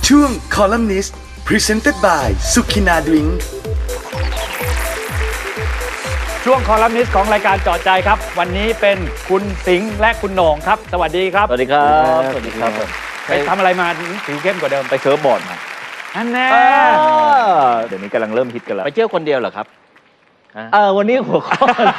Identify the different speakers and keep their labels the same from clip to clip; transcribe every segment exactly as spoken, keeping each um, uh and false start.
Speaker 1: ช่วง Columnist Presented by สุขินาดริง
Speaker 2: ช่วงคอลัมนิสต์ของรายการเจาะใจครับวันนี้เป็นคุณสิงห์และคุณโหน่งครับสวัสดีครับ
Speaker 3: สวัสดีครับสวัสดีครับ
Speaker 2: ไปทำอะไรมาผิวเข้มกว่าเดิม
Speaker 3: ไปเซิร์ฟบอร์ดมา
Speaker 2: อันแน่
Speaker 3: เดี๋ยวนี้กำลังเริ่มฮิตกันแล้ว
Speaker 4: ไปเที่ยวคนเดียวเหรอครับ
Speaker 3: เออวันนี้หัวข้อ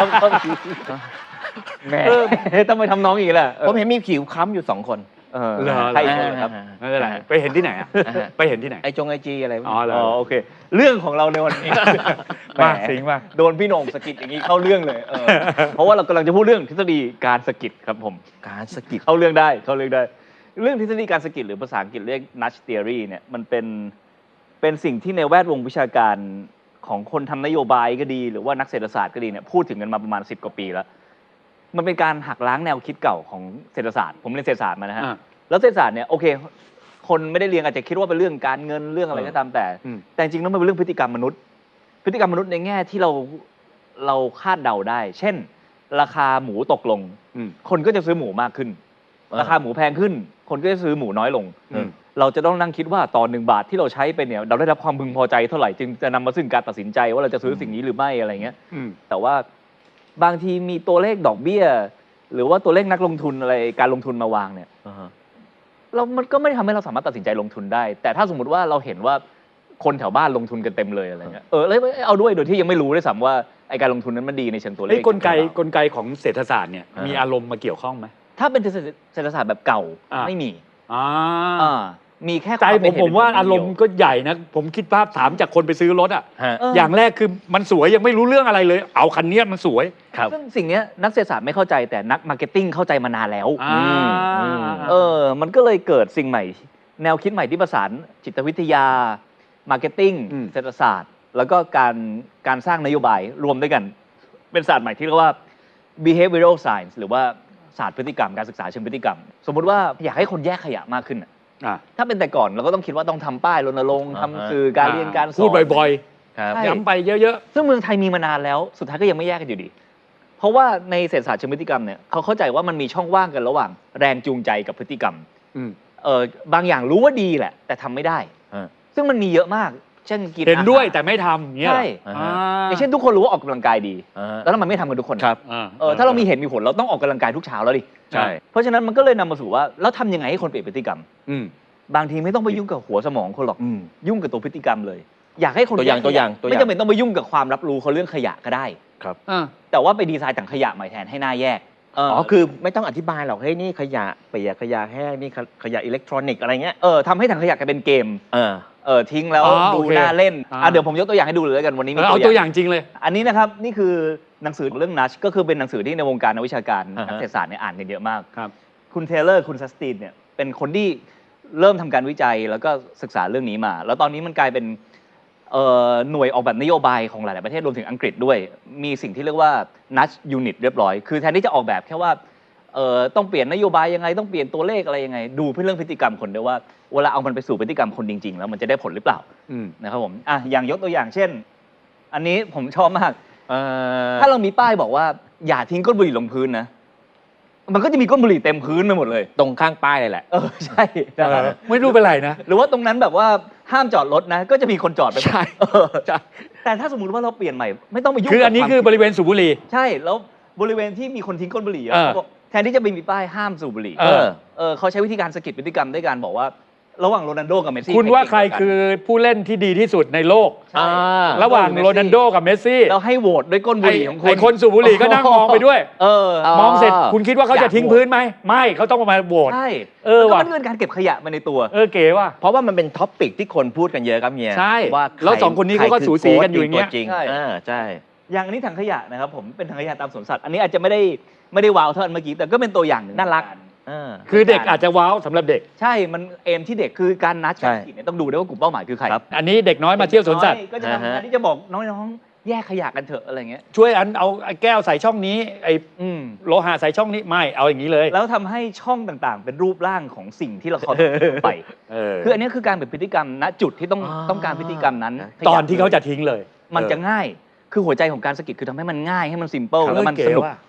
Speaker 3: แหม่ต้องไปทำน้องอีกแหละ
Speaker 4: ผมเห็นมีผิวค้ำอยู่สองคน
Speaker 3: เออ
Speaker 2: เหรอ
Speaker 3: ใครอีกคนเหรอครับ
Speaker 2: ไม่เป็นไรไปเห็นที่ไหนอ่ะไปเห็นที่ไหน
Speaker 4: ไอจงไอจีอะไร
Speaker 2: อ๋อเหรอ
Speaker 3: อ๋อโอเค เรื่องของเราในวันนี้
Speaker 2: มาสิงห์มา
Speaker 3: โดนพี่โหน่งสะกิดอย่างนี้เข้าเรื่องเลยเออเพราะว่าเรากำลังจะพูดเรื่องทฤษฎีการสะกิดครับผม
Speaker 4: การสะกิด
Speaker 3: เข้าเรื่องได้เข้าเรื่องได้ เรื่องทฤษฎีการสะกิดหรือภาษาอังกฤษเรียก nudge theory เนี่ยมันเป็นเป็นสิ่งที่ในแวดวงวิชาการของคนทำนโยบายก็ดี หรือว่านักเศรษฐศาสตร์ก็ดีเนี่ยพูดถึงกันมาประมาณสิบกว่าปีแล้วมันเป็นการหักล้างแนวคิดเก่าของเศรษฐศาสตร์ผมเรียนเศรษฐศาสตร์มานะฮะแล้วเศรษฐศาสตร์เนี่ยโอเคคนไม่ได้เรียนอาจจะคิดว่าเป็นเรื่องการเงินเรื่องอะไรก็ตามแต่แต่จริงๆแล้วมันเป็นเรื่องพฤติกรรมมนุษย์ พฤติกรรมมนุษย์ในแง่ที่เราเราคาดเดาได้ เช่น ราคาหมูตกลงคนก็จะซื้อหมูมากขึ้น ราคาหมูแพงขึ้น คนก็จะซื้อหมูน้อยลงเราจะต้องนั่งคิดว่าต่อหนึ่งบาทที่เราใช้ไปเนี่ยเราได้รับความพึงพอใจเท่าไหร่จึงจะนำมาซึ่งการตัดสินใจว่าเราจะซื้อสิ่งนี้หรือไม่อะไรเงี้ยแต่ว่าบางทีมีตัวเลขดอกเบี้ย หรือว่าตัวเลขนักลงทุนอะไรการลงทุนมาวางเนี่ยเรามันก็ไม่ทำให้เราสามารถตัดสินใจลงทุนได้ แต่ถ้าสมมติว่าเราเห็นว่าคนแถวบ้านลงทุนกันเต็มเลยอะไรเงี้ยเออแล้วเอาด้วยโดยที่ยังไม่รู้ด้วยซ้ำว่าไอการลงทุนนั้นมันดีในเชิงตัวเลข
Speaker 2: ไอ้กลไกกลไกของเศรษฐศาสตร์เนี่ยมีอารมณ์มาเกี่ยวข้องไหม
Speaker 3: ถ้าเป็นเศรษฐศาสตร์แบบเก่าไม่มี
Speaker 2: อ่า
Speaker 3: อ่ามีแค่
Speaker 2: ใจผมผมว่าอารมณ์ก็ใหญ่นะผมคิดภาพถามจากคนไปซื้อรถอ่ะอย่างแรกคือมันสวยยังไม่รู้เรื่องอะไรเลย เอาคันนี้มันสวย
Speaker 3: ซึ่งสิ่งนี้นักเศรษฐศาสตร์ไม่เข้าใจแต่นักมาร์เก็ตติ้งเข้าใจมานานแล้วเออมันก็เลยเกิดสิ่งใหม่แนวคิดใหม่ที่ประสานจิตวิทยามาร์เก็ตติ้งเศรษฐศาสตร์แล้วก็การการสร้างนโยบายรวมด้วยกันเป็นศาสตร์ใหม่ที่เรียกว่า behavioral science หรือว่าศาสตร์พฤติกรรมการศึกษาเชิงพฤติกรรมสมมุติว่าอยากให้คนแยกขยะมากขึ้นถ้าเป็นแต่ก่อนเราก็ต้องคิดว่าต้องทำป้ายรณรงค์ทำสื่อการเรียนการสอน
Speaker 2: พูดบ่อยๆย้ำไปเยอะ
Speaker 3: ๆซึ่งเมืองไทยมีมานานแล้วสุดท้ายก็ยังไม่แยกกันอยู่ดีเพราะว่าในเศรษฐศาสตร์เชิงพฤติกรรมเนี่ยเขาเข้าใจว่ามันมีช่องว่างกันระหว่างแรงจูงใจกับพฤติกรรมเออบางอย่างรู้ว่าดีแหละแต่ทำไม่ได้ซึ่งมันมีเยอะมากเช่นกิน
Speaker 2: เห็นด้วยแต่ไม่ทำเงี้ย
Speaker 3: ใช่อย่างเช่นทุกคนรู้ว่าออกกำลังกายดีแล้วทำไมไม่ทำกันทุกคน
Speaker 4: ครับ
Speaker 3: เออถ้าเรามีเห็นมีผลเราต้องออกกำลังกายทุกเช้าแล้วดิ
Speaker 4: ใช่
Speaker 3: เพราะฉะนั้นมันก็เลยนำมาสู่ว่าแล้วทำยังไงให้คนเปลี่ยนพฤติกรรมบางทีไม่ต้องไปยุ่งกับหัวสมองคนหรอกยุ่งกับตัวพฤติกรรมเลยอยากให้คน
Speaker 4: ตัวอย่างตัวอย่าง
Speaker 3: ไม่จำเป็นต้องไปยุ่งกับความรับรู้เขาเรื่องขยะก็ได้
Speaker 4: ครับ
Speaker 3: แต่ว่าไปดีไซน์ถังขยะใหม่แทนให้หน้าแยก
Speaker 4: อ๋อคือไม่ต้องอธิบายหรอกเฮ้ยนี่ขยะเปียกขยะแห้งนี่ขยะอิเล็กทรอนิกส์อะไรเงี้ย
Speaker 3: เออทำให้ถังขยะกลายเป็นเกม
Speaker 4: เออ
Speaker 3: เออทิ้งแล้วดูน่าเล่นอ่ะเดี๋ยวผมยกตัวอย่างให้ดูเลยแล้วกันวันนี้มี
Speaker 2: เอาตัวอย่างจริงเลย
Speaker 3: อันนี้นะครับนี่คือหนังสือเรื่อง Nudge ก็คือเป็นหนังสือที่ในวงการนักวิชาการนักเศรษฐศาสตร์เนี่ยอ่านกันเยอะมาก
Speaker 2: ครับ
Speaker 3: คุณเทเลอร์คุณซัสตินเนี่ยเป็นคนที่เริ่มทำการวิจัยแล้วก็ศึกษาเรื่องนี้มาแล้วตอนนี้มันกลายเป็นหน่วยออกแบบนโยบายของหลายๆประเทศรวมถึงอังกฤษด้วยมีสิ่งที่เรียกว่า Nudge Unit เรียบร้อยคือแทนที่จะออกแบบแค่ว่าต้องเปลี่ยนนโยบายยังไงต้องเปลี่ยนตัวเลขอะไรยังไงดูเพื่อเรื่องพฤติกรรมคนด้วยว่าเวลาเอามันไปสู่พฤติกรรมคนจริงๆแล้วมันจะได้ผลหรือเปล่านะครับผมอ่ะอย่างยกตัวอย่างเช่นอันนี้ผมชอบมากถ้าเรามีป้ายบอกว่าอย่าทิ้งก้นบุหรี่ลงพื้นนะมันก็จะมีก้นบุหรี่เต็มพื้นไปหมดเลย
Speaker 4: ตรงข้างป้ายเลยแหละ
Speaker 3: เออใช่
Speaker 2: ไม่รู้เป็นไรนะ
Speaker 3: หรือว่าตรงนั้นแบบว่าห้ามจอดรถนะก็จะมีคนจอดไป
Speaker 2: ใช่ใช่
Speaker 3: แต่ถ้าสมมติว่าเราเปลี่ยนใหม่ไม่ต้องไปยุ่ง
Speaker 2: คืออันนี้คือบริเวณสูบบุหรี่
Speaker 3: ใช่แล้วบริเวณที่มีคนทิ้งก้นบุหรี่แทนที่จะไปมีป้ายห้ามสูบบุหรี่เออเออเขาใช้วิธีการสะกิดพฤติกรรมด้วยการบอกว่าระหว่างโรนัลโดกับเมสซี่
Speaker 2: คุณว่าใครคือผู้เล่นที่ดีที่สุดในโลกระหว่างโรนัลโดกับเมสซี่
Speaker 3: แล้วให้โหวตด้วยก้นบุหรี่ของคุณ
Speaker 2: ไอ้คนสูบบุหรี่ก็นั่งมองไปด้วย
Speaker 3: เออ
Speaker 2: มองเสร็จคุณคิดว่าเขาจะทิ้งพื้นไหมไม่เขาต้องมาโหวต
Speaker 3: ใช่
Speaker 2: เออว่ะ
Speaker 3: มันเป็นการเก็บขยะมาในตัว
Speaker 2: เออเก๋ว่ะ
Speaker 4: เพราะว่ามันเป็นท็อปปิกที่คนพูดกันเยอะครับเฮีย
Speaker 2: ใช่
Speaker 4: ว่า
Speaker 2: แล้วสองคนนี้เขาก็สูสีกันอยู่อย่างเงี้ย
Speaker 4: ใช่ใช่
Speaker 3: อย่างนี้ถังขยะนะครับผมเป็นถังขยะตามสวนสัตว์อันนี้อาจจะไม่ได้ไม่ได้ว้าวเท่าอันเมื่อกี้แต่ก็เป็นตัวอย่างหนึ่ง
Speaker 4: น่ารัก
Speaker 2: คือเด็กอาจจะว้าวสำหรับเด็ก
Speaker 3: ใช่มันเอมที่เด็กคือการนัดการกินเนี่ยต้องดูด้วยว่ากลุ่มเป้าหมายคือใคร
Speaker 2: อันนี้เด็กน้อยมาเที่ยวสวนสัตว์
Speaker 3: ก็จะทำงานที่จะบอกน้องๆแยกขยะกันเถอะอะไรเงี้ย
Speaker 2: ช่วยอันเอาแก้วใส่ช่องนี้ไอ้โลหะใส่ช่องนี้ไม่เอาอย่างนี้เลย
Speaker 3: แล้วทำให้ช่องต่างๆเป็นรูปร่างของสิ่งที่เราเขาไปคืออันนี้คือการเป็นพฤติกรรมณจุดที่ต้องต้องการพฤติกรรมนั้น
Speaker 2: ตอนที่เขาจะทิ้งเลย
Speaker 3: มันจะง่ายคือหัวใจของการสะกิดคือทำให้มันง่ายให้มันซิมเปิลแล้วมันสนุก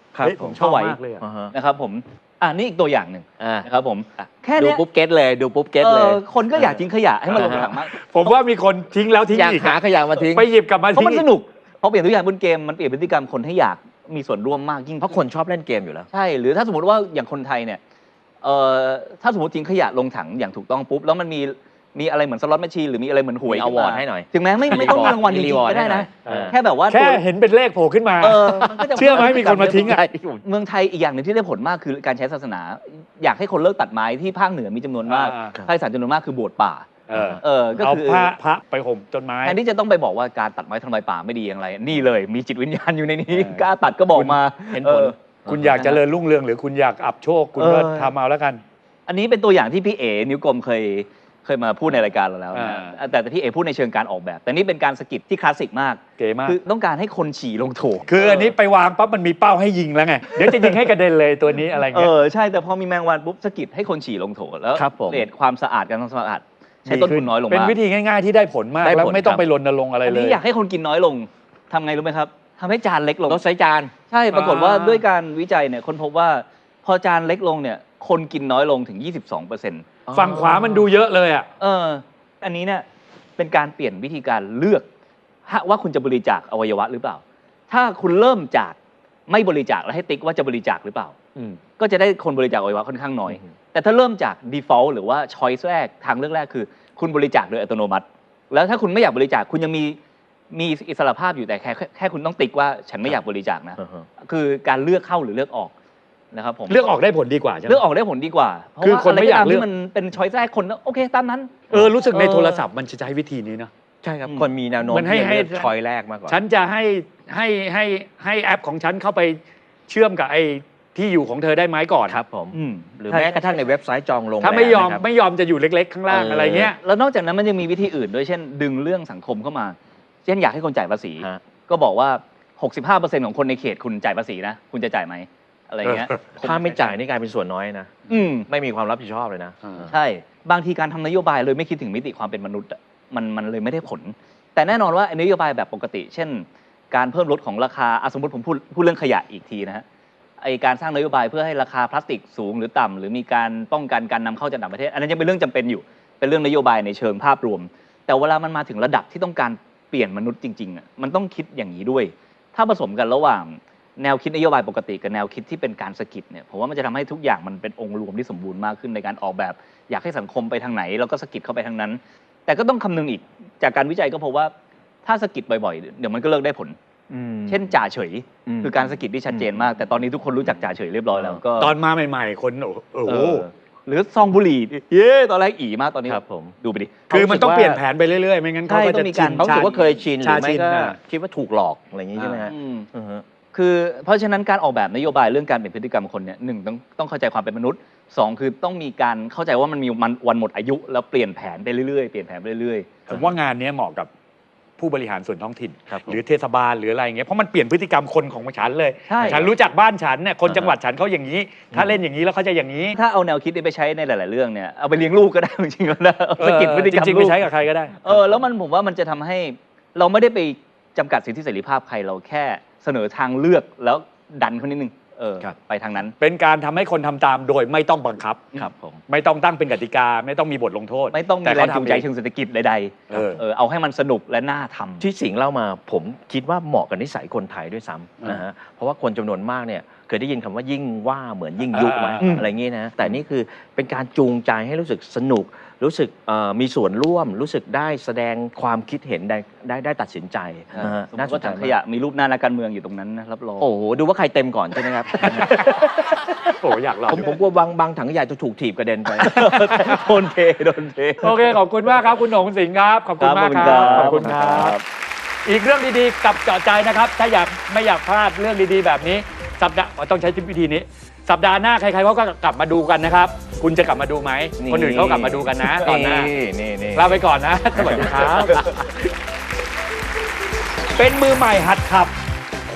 Speaker 4: ครับ
Speaker 2: เฮ้ยผมชอบมากเลยอะ
Speaker 4: อ่าฮะ
Speaker 3: นะครับผมอ่านี่อีกตัวอย่างหนึ่ง
Speaker 4: อ่า
Speaker 3: นะครับผมแค่
Speaker 4: ดู
Speaker 3: เนี้ย
Speaker 4: ปุ๊บเก็ตเลยดูปุ๊บเก็ตเลย
Speaker 3: ออคนก็อยากทิ้งขยะให้มันลงถังมาก
Speaker 2: ผมว่ามีคนทิ้งแล้วทิ้ง
Speaker 4: อยาก
Speaker 2: อีก
Speaker 4: หาขยะมาทิ้ง
Speaker 2: ไปหยิบกลับมา
Speaker 3: เพราะ
Speaker 2: ทิ้ง
Speaker 3: มันสนุกเพราะเปลี่ยนทุกอย่างบนเกมมันเปลี่ยนพฤติกรรมคนให้อยากมีส่วนร่วมมากยิ่ง
Speaker 4: เพราะคนชอบเล่นเกมอยู่แล้ว
Speaker 3: ใช่หรือถ้าสมมติว่าอย่างคนไทยเนี่ยเอ่อถ้าสมมติทิ้งขยะลงถังอย่างถูกต้องปุ๊บแล้วมันมีมีอะไรเหมือนสล็อตแมชชีนหรือมีอะไรเหมือนหวย
Speaker 4: มี award ให้หน่อย
Speaker 3: ถึงแม้ไม่ไม่ต้องมีรางวัลจริงๆก็ได้นะ
Speaker 4: เออ
Speaker 3: แค่แบบว่า
Speaker 2: แค่
Speaker 3: ตัว
Speaker 2: เห็นเป็นเลขโผล่ขึ้นมา
Speaker 3: เออมันก็จะ
Speaker 2: เชื่อไหมมีคนมาทิ้งอ่ะ
Speaker 3: เมืองไทยอีกอย่างหนึ่งที่ได้ผลมากคือการใช้ศาสนา อยากให้คนเลิกตัดไม้ที่ภาคเหนือมีจำนวนมาก
Speaker 2: อ่า
Speaker 3: ภาคอีสานจำนวนมากคือบวชป่า
Speaker 2: เออ
Speaker 3: เออก็
Speaker 2: เอา
Speaker 3: คือ
Speaker 2: พระพระไปห่มต้นไม้
Speaker 3: แทนที่จะต้องไปบอกว่าการตัดไม้ทำลายป่าไม่ดีอย่างไร นี่เลยมีจิตวิญญาณอยู่ในนี้
Speaker 2: เออก
Speaker 3: ล้าตัดก็บอกมา
Speaker 4: เห็นผล
Speaker 3: ออ
Speaker 2: คุณอยากเจริญรุ่งเรืองหรือคุณอยากอับโชคคุณก็
Speaker 3: เออ
Speaker 2: ทำเอาแล้วกัน
Speaker 3: อันนี้เป็นตัวอย่างที่พี่เอ๋นิ้วกลมเคยเคยมาพูดในรายการเราแล้วนะ
Speaker 2: อ่า
Speaker 3: แต่แต่พี่เอ๋พูดในเชิงการออกแบบ แต่นี่เป็นการสกิปที่คลาสสิกมาก
Speaker 2: เก๋มาก
Speaker 3: คือต้องการให้คนฉี่ลงโถ
Speaker 2: คืออันนี้ไปวางปั๊บมันมีเป้าให้ยิงแล้วไง เดี๋ยวจะยิงให้กระเด็นเลยตัวนี้อะไร
Speaker 3: เอ
Speaker 2: เงี้ย
Speaker 3: อใช่แต่พอมีแมงวันปุ๊บสกิดให้คนฉี่ลงโถแล้ว
Speaker 4: ครับผม
Speaker 3: เรทความสะอาดการทำความสะอาดใช้ต้นทุนน้อยลง
Speaker 2: เป็น
Speaker 3: มาก
Speaker 2: วิธีง่ายๆที่ได้ผลมาก
Speaker 4: ได้ผล
Speaker 2: แล้วไม่ต้อง
Speaker 4: ครับ
Speaker 2: ไปรณรงค์อะไร
Speaker 3: อัน
Speaker 2: เล
Speaker 3: นี้
Speaker 2: ย
Speaker 3: อยากให้คนกินน้อยลงทำไงรู้ไหมครับทำให้จานเล็กลง
Speaker 4: รถไซจาน
Speaker 3: ใช่ปรากฏว่า
Speaker 2: อ่า
Speaker 3: ด้วยการวิจัยเนี่ยคนพบว่าพอจานเล็กลงเนี่ยคนกินน้อยลงถึง ยี่สิบสองเปอร์เซ็นต์
Speaker 2: ฝั่งขวามันดูเยอะเลยอ่ะ
Speaker 3: เอออันนี้เนี่ยเป็นการเปลี่ยนวิธีการเลือกว่าคุณจะบริจาคอวัยวะหรือเปล่า ถ้าคุณเริ่มจากไม่บริจาคแล้วให้ติ๊กว่าจะบริจาคหรือเปล่า
Speaker 2: อืม
Speaker 3: ก็จะได้คนบริจาคอวัยวะค่อนข้างน้อย
Speaker 4: อืม
Speaker 3: แต่ถ้าเริ่มจาก default หรือว่า choice แรกทางเลือกแรกคือ คุณบริจาคโดยอัตโนมัติ แล้วถ้าคุณไม่อยากบริจาคคุณยังมีมีอิสรภาพอยู่แต่แค่แค่แค่คุณต้องติ๊กว่าฉันไม่อยากบริจาคนะ
Speaker 4: อ่าฮะ
Speaker 3: คือการเลือกเข้าหรือเลือกออกนะครับผม
Speaker 2: เลือกออกได้ผลดีกว่าใช่ไหม
Speaker 3: เลือกออกได้ผลดีกว่า เพราะ
Speaker 2: คือ
Speaker 3: ว่า
Speaker 2: คนไม่อยาก
Speaker 3: ะร
Speaker 2: เลื
Speaker 3: ที่
Speaker 2: อก
Speaker 3: มันเป็น choice แรกคนโอเคตามนั้น
Speaker 2: เออรู้สึกใน
Speaker 3: เออ
Speaker 2: โทรศัพท์มันจะใช้วิธีนี้นะ
Speaker 4: ใช่ครับ
Speaker 3: อืม
Speaker 4: คนมีแนวโน้ม
Speaker 2: มันให้
Speaker 4: ที่จะเลือก
Speaker 2: ให้
Speaker 4: ชอยแรกมากกว่า
Speaker 2: ฉันจะให้ให้ให้ให้แอปของฉันเข้าไปเชื่อมกับไอ้ที่อยู่ของเธอได้ไหมก่อน
Speaker 4: ครับผม
Speaker 3: อืม
Speaker 4: หรือ
Speaker 3: ใช่
Speaker 4: แม้กระทั่งในเว็บไซต์จองโรงแรม
Speaker 2: ถ้าไม่ยอม
Speaker 4: นะครับ
Speaker 2: ไม่ยอมจะอยู่เล็กๆ ข้างล่าง
Speaker 4: เอออ
Speaker 2: อะไรเงี้ย
Speaker 3: แล้วนอกจากนั้นมันยังมีวิธีอื่นด้วยเช่น ดึงเรื่องสังคมเข้ามา เช่นอยากให้คนจ่ายภาษี
Speaker 4: ฮะ
Speaker 3: ก็บอกว่า หกสิบห้าเปอร์เซ็นต์ ของคนในเขตคุณจ่ายภาษีนะ คุณจะจ่ายไหมอะไรเงี้ย
Speaker 4: ถ้าไม่จ่ายนี่กลายเป็นส่วนน้อยนะ
Speaker 3: อืม
Speaker 4: ไม่มีความรับผิดชอบเลยนะ
Speaker 2: อ่า
Speaker 3: ใช่ บางทีการทำนโยบายเลยไม่คิดถึงมิติความเป็นมนุษย์อะมันมันเลยไม่ได้ผล แต่แน่นอนว่าไอ้นโยบายแบบปกติ เช่น การเพิ่มลดของราคาอ่ะสมมติผมพูดพูดเรื่องขยะอีกทีนะฮะไอการสร้างนโยบายเพื่อให้ราคาพลาสติกสูงหรือต่ำหรือมีการป้องกันการนำเข้าจากต่างประเทศ อันนั้นยังเป็นเรื่องจำเป็นอยู่ เป็นเรื่องนโยบายในเชิงภาพรวม แต่เวลามันมาถึงระดับที่ต้องการเปลี่ยนมนุษย์จริงๆอ่ะมันต้องคิดอย่างนี้ด้วย ถ้าผสมกันระหว่างแนวคิดนโยบายปกติกับแนวคิดที่เป็นการสะกิดเนี่ยผมว่ามันจะทำให้ทุกอย่างมันเป็นองค์รวมที่สมบูรณ์มากขึ้นในการออกแบบ อยากให้สังคมไปทางไหนแล้วก็สะกิดเข้าไปทางนั้น แต่ก็ต้องคำนึงอีกจากการวิจัยก็พบว่าถ้าสะกิดบ่อยๆเดี๋ยวมันก็เลิกได้ผล เช่นจ่าเฉย
Speaker 4: อืม
Speaker 3: คือการสะกิดที่ชัดเจนมาก แต่ตอนนี้ทุกคนรู้จักจ่าเฉยเรียบร้อยแล้วก็
Speaker 2: ตอนมาใหม่ๆ คนโอ้โอ้
Speaker 3: เอ
Speaker 2: โห
Speaker 3: อหรือซองบุหรี่เย้ตอนแรกอีมากตอนนี้
Speaker 4: ครับผม
Speaker 3: ดูไปดิ
Speaker 2: คือมันต้อง
Speaker 4: เขารู้สึกว่า
Speaker 2: เปลี่ยนแผนไปเรื่อยๆ ไม่งั้นเขา
Speaker 3: ใช่
Speaker 2: ก็
Speaker 3: ต้
Speaker 2: จะ
Speaker 3: องมีการ
Speaker 2: ชิน
Speaker 4: เขารู้สึกว่าเคยชินหรือไม่
Speaker 2: ชาชิน
Speaker 4: ก็
Speaker 2: น่ะ
Speaker 4: คิดว่าถูกหลอกอะไรอย่างนี้ใช่ไหมฮะ
Speaker 3: อืม
Speaker 4: อือฮะ
Speaker 3: คือเพราะฉะนั้นการออกแบบนโยบายเรื่องการเปลี่ยนพฤติกรรมคนเนี่ยหนึ่งต้องต้องเข้าใจความเป็นมนุษย์สองคือต้องมีการเข้าใจว่ามันมีมันวันหมดอายุแล้วเปลี่ยนแผนไปเรื่อยๆเปลี่ยนแผนไปเรื่อยๆ
Speaker 2: ผมว่างานเนี้ยเหมาะกับผู้บริหารส่วนท้องถิ่น
Speaker 4: ครับผม
Speaker 2: หรือเทศบาลหรืออะไรอย่างเงี้ยเพราะมันเปลี่ยนพฤติกรรมคนของฉันเลย
Speaker 3: ใช่
Speaker 2: ฉันรู้จักบ้านฉันเนี่ยคน
Speaker 4: อ่า
Speaker 2: จังหวัดฉันเขาอย่างนี้ ถ้าเล่นอย่างนี้แล้วเขาจะอย่างนี้
Speaker 3: ถ้าเอาแนวคิดนี้ไปใช้ในหลาย ๆ เรื่องเนี่ยเอาไปเลี้ยงลูกก็ได้ จริงๆแล้วนะเอาสะกิดพฤติกรรม
Speaker 2: จริงๆ
Speaker 3: ลู
Speaker 2: ไป
Speaker 3: ก
Speaker 2: ใช้กับใครก็ได้
Speaker 3: เออแล้วมันผมว่ามันจะทำให้เราไม่ได้ไปจำกัดสิทธิเสรีภาพใครเราแค่เสนอทางเลือกแล้วดันเขานิดนึงเออ
Speaker 4: ครับ
Speaker 3: ไปทางนั้น
Speaker 2: เป็นการทำให้คนทำตามโดยไม่ต้องบังคับ
Speaker 4: ครับผม
Speaker 2: ไม่ต้องตั้งเป็นกติกา ไม่ต้องมีบทลงโทษ
Speaker 3: ไม่ต้องมี
Speaker 2: แต่
Speaker 3: แรง
Speaker 2: เขา
Speaker 3: จูง
Speaker 2: ทำ
Speaker 3: ใจ
Speaker 2: เอง
Speaker 3: เชิงเศรษฐกิจใด
Speaker 2: เออ
Speaker 3: ๆเออเอาให้มันสนุกและน่าทำ
Speaker 4: ที่สิงห์เล่ามาผมคิดว่าเหมาะกับนิสัยคนไทยด้วยซ้ำ
Speaker 2: อ่าน
Speaker 4: นะฮะเพราะว่าคนจำนวนมากเนี่ยเคยได้ยินคำว่ายิ่งว่าเหมือนยิ่งยุไหม
Speaker 2: อ่า
Speaker 4: อะไรอย่างงี้นะแต่นี่คือเป็นการจูงใจให้รู้สึกสนุก รู้สึกเอ่อมีส่วนร่วม รู้สึกได้แสดงความคิดเห็นได้ได้ได้ตัดสินใจนะฮะ
Speaker 3: สมม
Speaker 4: น่า
Speaker 3: ติ
Speaker 4: สน
Speaker 3: ว่า
Speaker 4: ใจ
Speaker 3: ถังข
Speaker 4: มาก
Speaker 3: ยะมีรูปหน้านักการเมืองอยู่ตรงนั้นนะรับรอง
Speaker 4: โอ้โหดูว่าใครเต็มก่อนใช่ไหมครับ
Speaker 2: โอ้อยากลอง
Speaker 4: ผมผมกลัวบางบางถังขยะจะถูกถีบกระเด็นไป
Speaker 3: โดนเทโดนเท
Speaker 2: โอเคขอบคุณมากครับคุณหนงสิงห์ครับขอบคุณมากครับขอบคุณครับ อีกเรื่องดีๆกับเจาะใจนะครับ ถ้าอยากไม่อยากพลาดเรื่องดีๆแบบนี้ สัปดาห์ต้องใช้วิธีนี้ สัปดาห์หน้าใครๆเขาก็กลับมาดูกันนะครับ คุณจะกลับมาดูไหม
Speaker 4: นี่
Speaker 2: คนอื่นเขากลับมาดูกันนะตอนหน้า
Speaker 4: นี่นี่
Speaker 2: ลาไปก่อนนะ สวัสดีครับ เป็นมือใหม่หัดขับ ค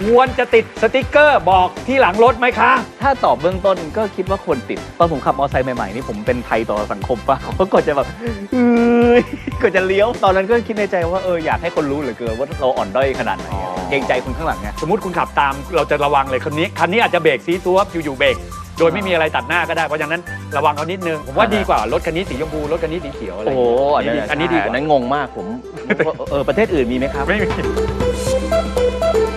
Speaker 2: ควรจะติดสติกเกอร์บอกที่หลังรถไหมคะ
Speaker 3: ถ้าตอบเบื้องต้นก็คิดว่าควรติด ตอนผมขับมอเตอร์ไซค์ใหม่ๆนี่ผมเป็นภัยต่อสังคมปะเขาก็จะแบบเอ้ยก็จะเลี้ยวตอนนั้นก็คิดในใจว่าเอออยากให้คนรู้เหลือเกินว่าเราอ่อนด้อยขนาดไหน
Speaker 2: อ๋อ
Speaker 3: เกรงใจคนข้างหลังไง
Speaker 2: สมมติคุณขับตามเราจะระวังเลยคันนี้คันนี้อาจจะเบรกซีซัวอยู่ๆเบรกโดยไม่มีอะไรตัดหน้าก็ได้เพราะฉะนั้นระวังเขานิดนึงผมว่าดีกว่ารถคันนี้สีชมพูรถคันนี้สีเขียวอะไร
Speaker 4: โอ้โหอัน
Speaker 2: นี้
Speaker 4: นั้น
Speaker 2: อันนี้ดีก
Speaker 4: อัน
Speaker 2: ว่า
Speaker 4: นั้นงงมากผม เออประเทศอื่นมีไหมครับ
Speaker 2: ไม่มี